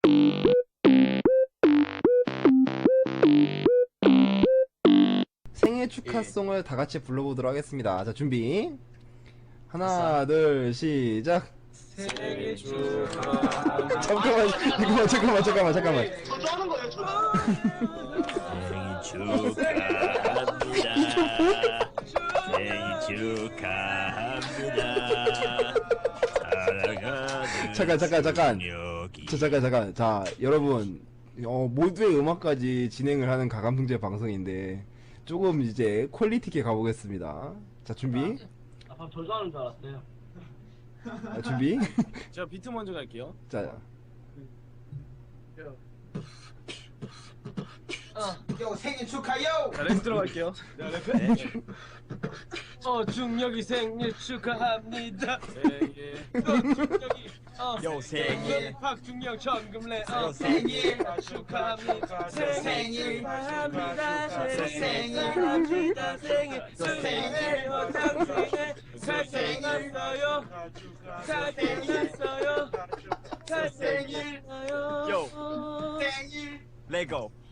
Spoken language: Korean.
생일 축하송을 다 같이 불러보도록 하겠습니다. 자, 준비. 하나, 둘, 시작. 생일 축하합니다. 잠깐만. 저도 하는 거예요, 저도. 생일 축하합니다. 잠깐. 자, 여러분, 모두의 음악까지 진행을 하는 가감승제 방송인데 조금 이제 퀄리티 있게 가보겠습니다. 자, 준비. 아, 저도 하는 줄 알았어요. 준비. 제가 비트 먼저 갈게요. 자, 요 생일 축하요. 자, 랩 들어갈게요. 중력이 생일 축하합니다. 예. 중력이 요 생일. 박중력 정금래 생일 축하합니다. 생일 축하합니다. 생일 축하합니다. 생일 생일 잘생겼어요. 잘생겼어요. 잘생겼어요. 요. 생일 레고.